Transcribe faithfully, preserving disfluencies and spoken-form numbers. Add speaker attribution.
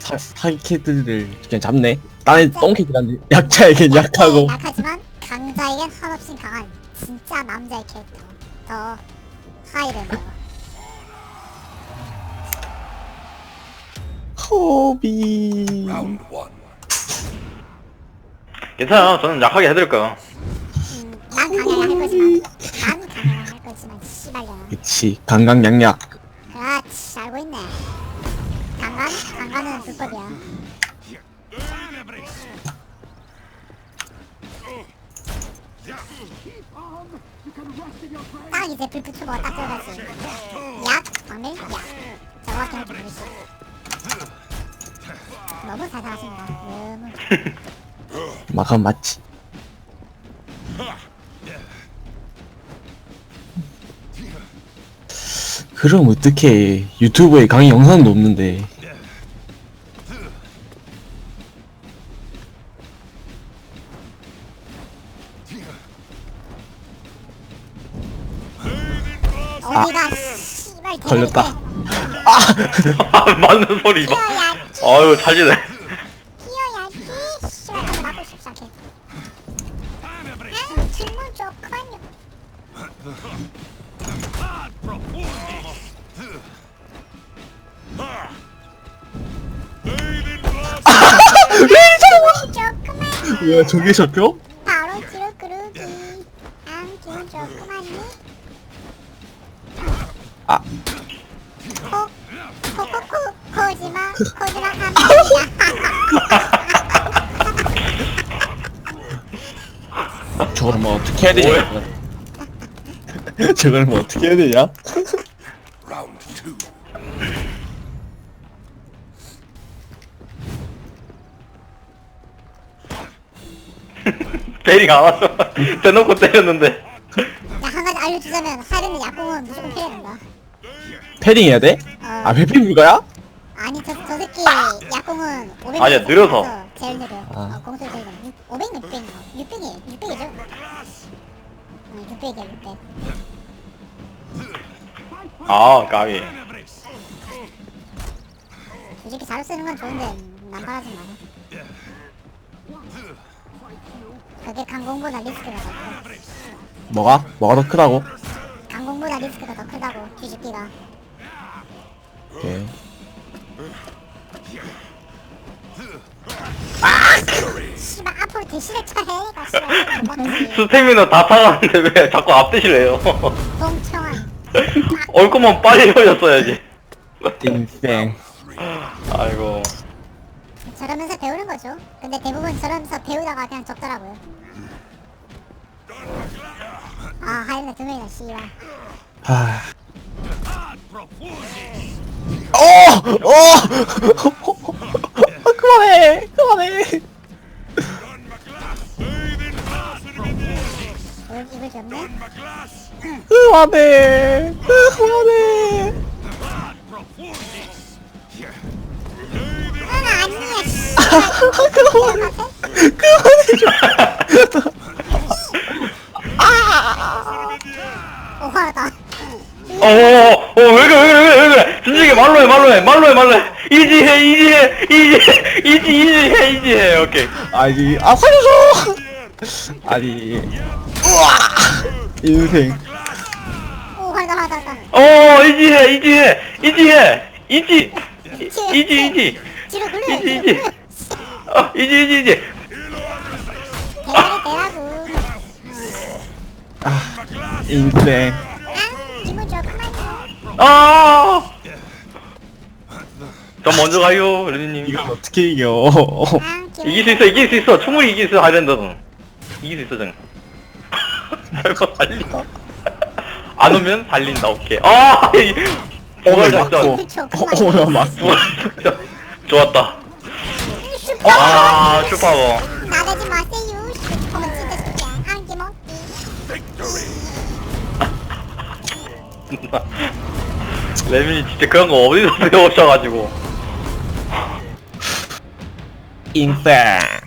Speaker 1: 사, 사기캐들을 그냥 잡네. 나는 똥캐들한테 약자에겐 약하고.
Speaker 2: 약하지만 강자에겐 한없이 강한 진짜 남자의 캐릭터 더 하이랜더.
Speaker 1: 호비.
Speaker 3: 괜찮아. 저는 약하게 해드릴까요?
Speaker 2: 음, 난 강하게 할 거지만 난 강하게 할 거지만 씨발려나.
Speaker 1: 그치, 강강약약.
Speaker 2: 그렇지, 알고 있네. 강간? 강간은 불법이야. 딱 이제 불프튜버가 딱 들어가지. 약, 박밀, 약. 정확히 할줄 모르지. 너무 사사하신다. 너무.
Speaker 1: 마감 맞지. 그럼 어떡해. 유튜브에 강의 영상도 없는데.
Speaker 2: 어디가 씨발
Speaker 1: 걸렸다.
Speaker 3: 아, 맞는 소리 봐.
Speaker 2: 뛰어야지.
Speaker 3: 아유, 잘지네.
Speaker 2: 뛰어야지. 씨발 한번 맞고 싶지 않게. 아, 질문 좋군요. 질문 좋구만.
Speaker 1: 왜 저게 잡혀?
Speaker 2: 바로 뒤로 그루기. 아, 기분 좋구만요.
Speaker 1: 아.
Speaker 2: 코, 코코코, 코지마, 코지마 감사합니다.
Speaker 1: 저걸 뭐 어떻게 해야 되냐? 저걸 뭐 어떻게 해야 되냐?
Speaker 3: 베링 안 왔어. 대놓고 때렸는데.
Speaker 2: 야, 한 가지 알려주자면 하이랜드 약공은 무조건 피해야 된다.
Speaker 1: 패딩 해야 돼?
Speaker 2: 어,
Speaker 1: 아, 회피 불가야?
Speaker 2: 아니 저, 저 새끼 약공은 오백
Speaker 3: 아니야, 느려서.
Speaker 2: 제일 느려.
Speaker 1: 아.
Speaker 2: 어, 공수 제일 느려. 오백, 육백, 육백이, 육백이죠? 응, 육백이야, 육백.
Speaker 3: 아, 까비.
Speaker 2: 솔직히 자료 쓰는 건 좋은데 남발하지 마. 그게 강공보다 리스크가 더 커.
Speaker 1: 뭐가? 뭐가 더 크다고?
Speaker 2: 강공보다 리스크가 더 크다고, 뒤집기가.
Speaker 1: 오케이.
Speaker 2: 씨발 앞으로 대시를 쳐야 가 씨발 못 먹지.
Speaker 3: 스태미너 다 타가는데 왜 자꾸 앞대시래요?
Speaker 2: 동청한.
Speaker 3: 올 거면 빨리 흘렸어야지.
Speaker 1: 띵생.
Speaker 3: 아이고.
Speaker 2: 저러면서 배우는 거죠. 근데 대부분 저러면서 배우다가 그냥 적더라고요. 아, 하이랜드 두 명이다, 씨발.
Speaker 1: 하. 어! 어! 그만해! 그만해!
Speaker 2: 이걸, 이걸 줬네?
Speaker 1: 그만해! 그만해!
Speaker 2: 응, 아니야, 씨발.
Speaker 1: 그만해! 그만해!
Speaker 2: 오, 화나다.
Speaker 3: 어, 어, 어, 왜 그래, 왜 그래, 왜 그래, 왜 그래. 진지하게 말로 해, 말로 해, 말로 해, 말로 해. 이지해, 이지해, 이지해, 이지, 이지해, 이지해, 오케이.
Speaker 1: 아니, 아, 살려줘! 아니, 우와! 인생.
Speaker 2: 오, 화나다, 화나다.
Speaker 3: 어, 이지해, 이지해, 이지해, 이지, 이지, 이지,
Speaker 2: 뒤로 굴려,
Speaker 3: 이지,
Speaker 2: 뒤로
Speaker 3: 이지.
Speaker 2: 굴려.
Speaker 3: 어, 이지, 이지, 이지.
Speaker 2: 대가리 대라고.
Speaker 1: 아, 인생.
Speaker 2: 아, 기분 좋구만요.
Speaker 3: 아! 전 먼저 가요, 레니님.
Speaker 1: 이걸 어떻게 이겨?
Speaker 2: 아, 기분
Speaker 3: 이길 수 있어, 이길 수 있어. 충분히 이길 수 있어, 하이랜드는. 이길 수 있어, 전. 별거 달린다. 안 오면 달린다, 오케이. 아! 이-
Speaker 1: 오늘
Speaker 3: 부활 작전.
Speaker 1: 맞고. 오늘 맞고.
Speaker 3: 부활 작전. 좋았다.
Speaker 2: 슈퍼.
Speaker 3: 아, 슈퍼버.
Speaker 2: 나대지 마세요. 슈퍼는 진짜 진짜 한개 먹기.
Speaker 3: 레민이 진짜 그런 거 어디서 배우셔가지고.
Speaker 1: 인생.